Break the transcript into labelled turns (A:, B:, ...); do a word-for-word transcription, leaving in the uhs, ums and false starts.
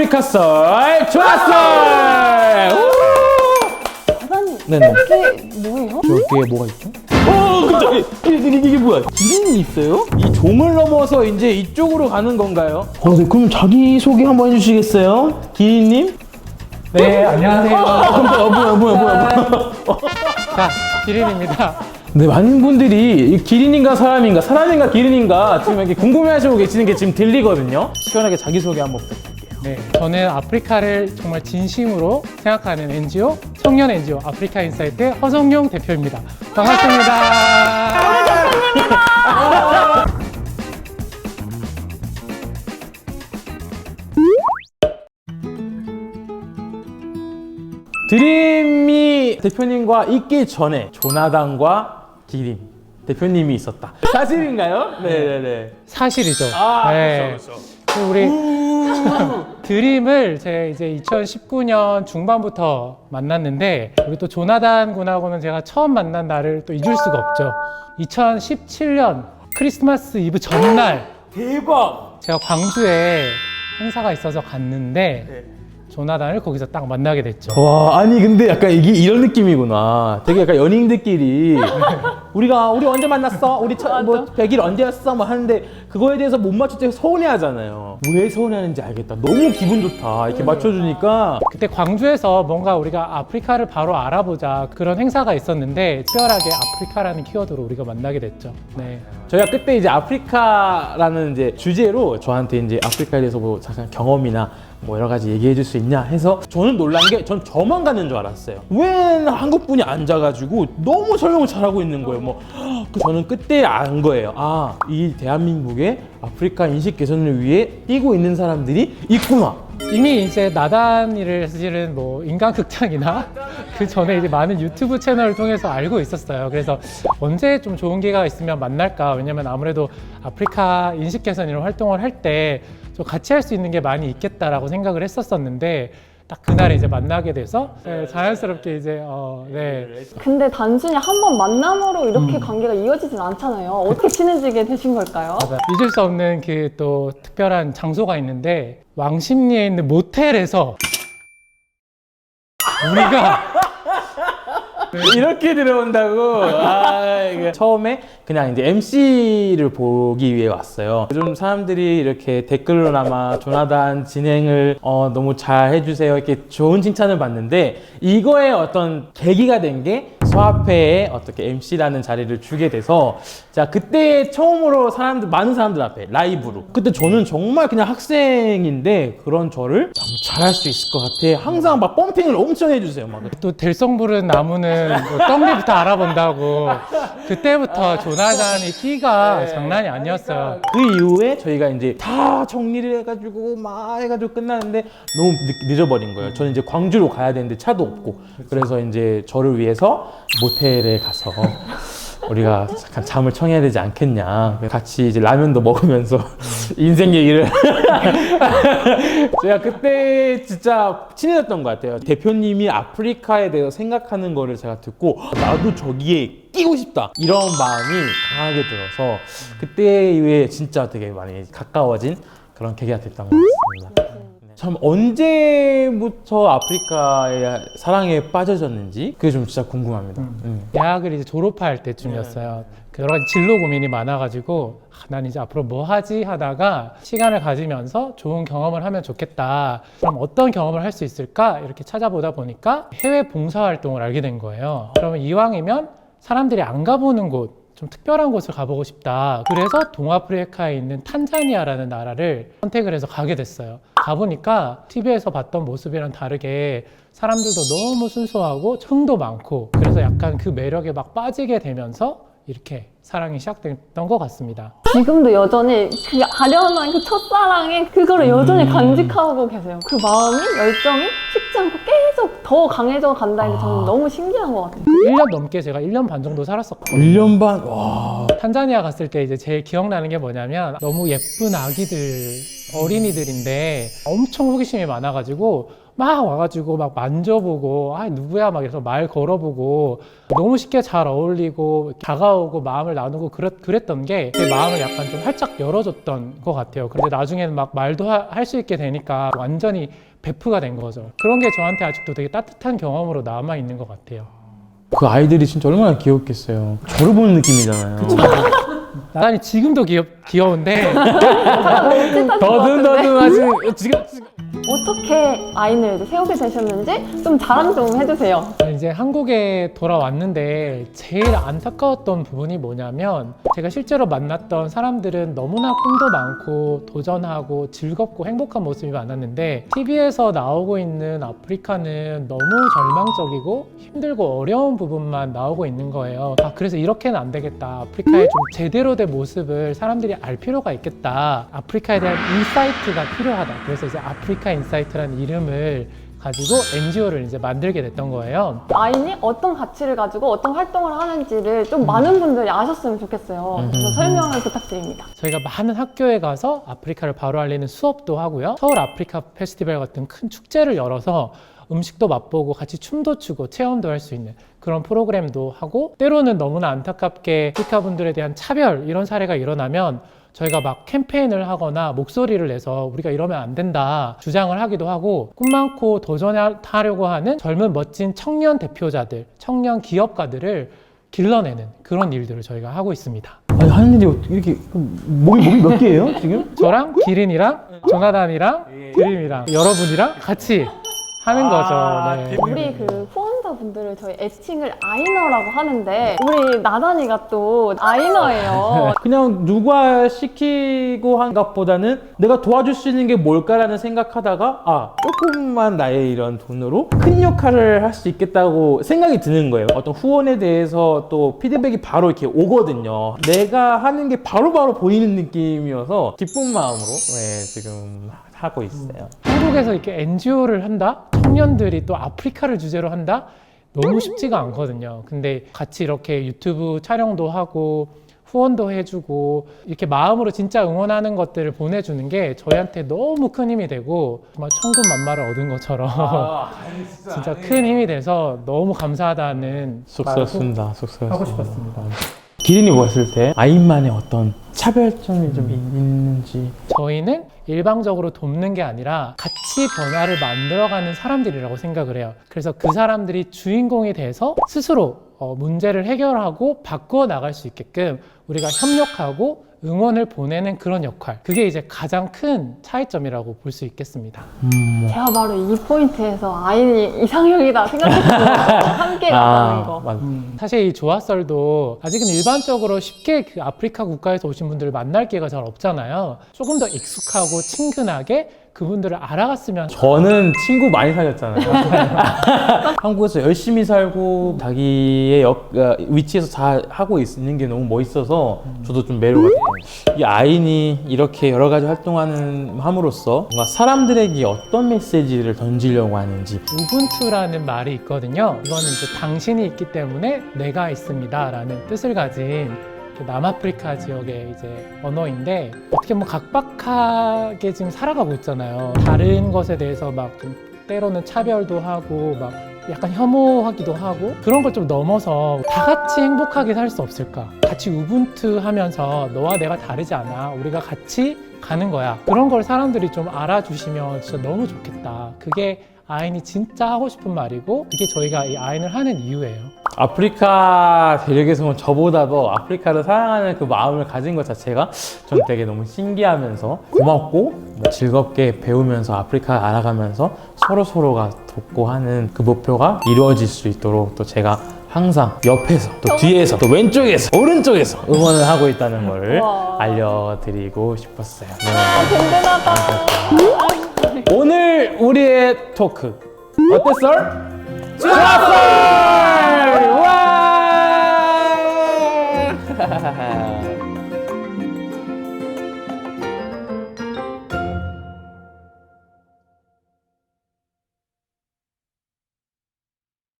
A: 아프리카 썰 좋았어!
B: 사장님,
A: 네네.
B: 이게 뭐예요?
A: 저기에 뭐가 있죠? 어, 깜짝이야. 이게, 이게, 이게 뭐야? 기린이 있어요? 이 종을 넘어서 이제 이쪽으로 가는 건가요? 어, 네. 그럼 자기소개 한번 해주시겠어요? 기린님?
C: 네, 안녕하세요.
A: 어, 깜짝이야. 뭐야, 뭐야, 뭐야.
C: 자, 기린입니다.
A: 네, 많은 분들이 이 기린인가 사람인가, 사람인가 기린인가 지금 이렇게 궁금해하시고 계시는 게 지금 들리거든요. 시원하게 자기소개 한번 부탁드릴게요.
C: 네, 저는 아프리카를 정말 진심으로 생각하는 엔지오, 청년 엔지오 아프리카 인사이트 허성용 대표입니다. 반갑습니다.
A: 드림이 대표님과 있기 전에 조나단과 기린 대표님이 있었다. 사실인가요? 네네네.
C: 사실이죠.
A: 아,
C: 네.
A: 그렇죠,
C: 그 우리 드림을 제가 이제 이천십구 년 중반부터 만났는데, 우리 또 조나단 군하고는 제가 처음 만난 날을 또 잊을 수가 없죠. 이천십칠 년 크리스마스 이브 전날
A: 대박!
C: 제가 광주에 행사가 있어서 갔는데
A: 네.
C: 조나단을 거기서 딱 만나게 됐죠.
A: 와, 아니 근데 약간 이게 이런 느낌이구나. 되게 약간 연인들끼리 우리가 우리 언제 만났어? 우리 첫, 뭐 백 일 언제였어? 뭐 하는데 그거에 대해서 못 맞출 때 서운해하잖아요. 왜 서운해하는지 알겠다. 너무 기분 좋다. 이렇게 맞춰주니까.
C: 그때 광주에서 뭔가 우리가 아프리카를 바로 알아보자 그런 행사가 있었는데, 특별하게 아프리카라는 키워드로 우리가 만나게 됐죠. 네.
A: 저희가 그때 이제 아프리카라는 이제 주제로 저한테 이제 아프리카에 대해서 뭐 잠깐 경험이나 뭐 여러 가지 얘기해 줄 수 있냐 해서, 저는 놀란 게 전 저만 가는 줄 알았어요. 웬 한국 분이 앉아가지고 너무 설명을 잘하고 있는 거예요. 뭐 그 저는 그때 안 거예요. 아, 이 대한민국에 아프리카 인식 개선을 위해 뛰고 있는 사람들이 있구나.
C: 이미 이제 나단이를 사실은 뭐 인간극장이나 그 전에 이제 많은 유튜브 채널을 통해서 알고 있었어요. 그래서 언제 좀 좋은 기회가 있으면 만날까. 왜냐면 아무래도 아프리카 인식 개선 이런 활동을 할 때 좀 같이 할 수 있는 게 많이 있겠다라고 생각을 했었었는데, 딱 그날에 이제 만나게 돼서 네, 자연스럽게 이제 어, 네.
B: 근데 단순히 한 번 만남으로 이렇게 관계가 이어지진 않잖아요. 어떻게 친해지게 되신 걸까요?
C: 맞아. 잊을 수 없는 그 또 특별한 장소가 있는데, 왕십리에 있는 모텔에서 우리가
A: 이렇게 들어온다고? 아, 이게 처음에 그냥 이제 엠씨를 보기 위해 왔어요. 요즘 사람들이 이렇게 댓글로나마 조나단 진행을 어, 너무 잘 해주세요, 이렇게 좋은 칭찬을 받는데, 이거에 어떤 계기가 된 게 소아페에 어떻게 엠씨라는 자리를 주게 돼서, 자, 그때 처음으로 사람들, 많은 사람들 앞에 라이브로, 그때 저는 정말 그냥 학생인데 그런 저를 너무 잘할 수 있을 것 같아. 항상 막 펌핑을 엄청 해주세요. 막.
C: 또 될성 부른 나무는 뭐 떡잎부터 알아본다고. 그때부터 조나단의 끼가 장난이 아니었어요.
A: 그 이후에 저희가 이제 다 정리를 해가지고 막 해가지고 끝나는데 너무 늦, 늦어버린 거예요. 저는 이제 광주로 가야 되는데 차도 없고, 그래서 이제 저를 위해서 모텔에 가서 우리가 잠깐 잠을 청해야 되지 않겠냐. 같이 이제 라면도 먹으면서 인생 얘기를. 제가 그때 진짜 친해졌던 것 같아요. 대표님이 아프리카에 대해서 생각하는 거를 제가 듣고 나도 저기에 끼고 싶다, 이런 마음이 강하게 들어서 그때 이후에 진짜 되게 많이 가까워진 그런 계기가 됐던 것 같습니다. 참 언제부터 아프리카의 사랑에 빠져졌는지 그게 좀 진짜 궁금합니다.
C: 음.
A: 음.
C: 대학을 이제 졸업할 때쯤이었어요. 그 여러 가지 진로 고민이 많아가지고 아, 난 이제 앞으로 뭐 하지 하다가 시간을 가지면서 좋은 경험을 하면 좋겠다. 그럼 어떤 경험을 할 수 있을까? 이렇게 찾아보다 보니까 해외 봉사활동을 알게 된 거예요. 그러면 이왕이면 사람들이 안 가보는 곳, 좀 특별한 곳을 가보고 싶다. 그래서 동아프리카에 있는 탄자니아라는 나라를 선택을 해서 가게 됐어요. 가보니까 티비에서 봤던 모습이랑 다르게 사람들도 너무 순수하고 흥도 많고, 그래서 약간 그 매력에 막 빠지게 되면서 이렇게 사랑이 시작됐던 것 같습니다.
B: 지금도 여전히 그 아련한 그 첫사랑에 그거를 여전히 간직하고 계세요. 그 마음이, 열정이 식지 않고 계속 더 강해져 간다는 게 저는 너무 신기한 것 같아요.
C: 일 년 넘게 제가 일 년 반 정도 살았었거든요.
A: 일 년 반? 와.
C: 탄자니아 갔을 때 이제 제일 기억나는 게 뭐냐면, 너무 예쁜 아기들 어린이들인데 엄청 호기심이 많아가지고 막 와가지고 막 만져보고 아 누구야 막 이래서 말 걸어보고 너무 쉽게 잘 어울리고 다가오고 마음을 나누고 그랬, 그랬던 게 제 마음을 약간 좀 활짝 열어줬던 것 같아요. 그런데 나중에는 막 말도 할 수 있게 되니까 완전히 베프가 된 거죠. 그런 게 저한테 아직도 되게 따뜻한 경험으로 남아 있는 것 같아요.
A: 그 아이들이 진짜 얼마나 귀엽겠어요. 저를 보는 느낌이잖아요.
C: 나란히 지금도 귀엽, 귀여운데
A: 더듬더듬하지 지금
B: 어떻게 아이를 이제 세우게 되셨는지 좀 자랑 좀 해주세요.
C: 이제 한국에 돌아왔는데 제일 안타까웠던 부분이 뭐냐면 제가 실제로 만났던 사람들은 너무나 꿈도 많고 도전하고 즐겁고 행복한 모습이 많았는데 티비에서 나오고 있는 아프리카는 너무 절망적이고 힘들고 어려운 부분만 나오고 있는 거예요. 아, 그래서 이렇게는 안 되겠다. 아프리카의 좀 제대로 된 모습을 사람들이 알 필요가 있겠다. 아프리카에 대한 인사이트가 필요하다. 그래서 이제 아프리카 인사이트라는 이름을 가지고 엔지오를 이제 만들게 됐던 거예요.
B: 아인이 어떤 가치를 가지고 어떤 활동을 하는지를 좀 많은 분들이 아셨으면 좋겠어요. 그래서 설명을 부탁드립니다.
C: 저희가 많은 학교에 가서 아프리카를 바로 알리는 수업도 하고요. 서울 아프리카 페스티벌 같은 큰 축제를 열어서 음식도 맛보고 같이 춤도 추고 체험도 할 수 있는 그런 프로그램도 하고, 때로는 너무나 안타깝게 아프리카 분들에 대한 차별 이런 사례가 일어나면 저희가 막 캠페인을 하거나 목소리를 내서 우리가 이러면 안 된다 주장을 하기도 하고, 꿈 많고 도전하려고 하는 젊은 멋진 청년 대표자들, 청년 기업가들을 길러내는 그런 일들을 저희가 하고 있습니다.
A: 아니 하는 일이 어떻게 이렇게 몸이 몸이 몇 개예요 지금?
C: 저랑 기린이랑 조나단이랑 드림이랑 여러분이랑 같이 하는 거죠. 네.
B: 우리 그 후원자분들을 저희 애칭을 아이너라고 하는데 우리 나단이가 또 아이너예요.
A: 그냥 누가 시키고 한 것보다는 내가 도와줄 수 있는 게 뭘까라는 생각하다가 아 조금만 나의 이런 돈으로 큰 역할을 할 수 있겠다고 생각이 드는 거예요. 어떤 후원에 대해서 또 피드백이 바로 이렇게 오거든요. 내가 하는 게 바로바로 보이는 느낌이어서 기쁜 마음으로 네, 지금 하고 있어요.
C: 한국에서 이렇게 엔지오를 한다? 청년들이 또 아프리카를 주제로 한다? 너무 쉽지가 않거든요. 근데 같이 이렇게 유튜브 촬영도 하고 후원도 해주고 이렇게 마음으로 진짜 응원하는 것들을 보내주는 게 저희한테 너무 큰 힘이 되고 정말 천군만마를 얻은 것처럼
A: 아,
C: 진짜 큰 힘이 돼서 너무 감사하다는
A: 쑥스럽습니다. 쑥스럽습니다.
C: 하고 싶었습니다.
A: 기린이 보았을 때 아인만의 어떤 차별점이 좀 있는지.
C: 저희는 일방적으로 돕는 게 아니라 같이 변화를 만들어가는 사람들이라고 생각을 해요. 그래서 그 사람들이 주인공이 돼서 스스로 어, 문제를 해결하고 바꾸어 나갈 수 있게끔 우리가 협력하고 응원을 보내는 그런 역할, 그게 이제 가장 큰 차이점이라고 볼 수 있겠습니다.
A: 음,
B: 제가 바로 이 포인트에서 아인이 이상형이다 생각했거든요. 함께 나가는 거.
A: 맞아.
C: 음, 사실 이 조화설도 아직은 일반적으로 쉽게 그 아프리카 국가에서 오신 분들을 만날 기회가 잘 없잖아요. 조금 더 익숙하고 친근하게 그분들을 알아갔으면.
A: 저는 친구 많이 사귀었잖아요. 한국에서 열심히 살고 자기의 역, 어, 위치에서 잘 하고 있는 게 너무 멋있어서 저도 좀 매료가 돼요. 이 아인이 이렇게 여러 가지 활동하는 함으로써 뭔가 사람들에게 어떤 메시지를 던지려고 하는지.
C: 우분투라는 말이 있거든요. 이거는 이제 당신이 있기 때문에 내가 있습니다 라는 뜻을 가진 남아프리카 지역의 이제 언어인데, 어떻게 보면 각박하게 지금 살아가고 있잖아요. 다른 것에 대해서 막 좀 때로는 차별도 하고 막 약간 혐오하기도 하고, 그런 걸 좀 넘어서 다 같이 행복하게 살 수 없을까? 같이 우분투 하면서 너와 내가 다르지 않아, 우리가 같이 가는 거야, 그런 걸 사람들이 좀 알아주시면 진짜 너무 좋겠다. 그게 아인이 진짜 하고 싶은 말이고, 그게 저희가 이 아인을 하는 이유예요.
A: 아프리카 대륙에서는 저보다도 아프리카를 사랑하는 그 마음을 가진 것 자체가 전 되게 너무 신기하면서 고맙고 뭐 즐겁게 배우면서 아프리카 알아가면서 서로 서로가 돕고 하는 그 목표가 이루어질 수 있도록 또 제가 항상 옆에서 또 뒤에서 또 왼쪽에서 오른쪽에서 응원을 하고 있다는 걸
B: 와.
A: 알려드리고 싶었어요. 네.
B: 든든하다.
A: 오늘 우리의 토크 어땠어? 좋았어! 와!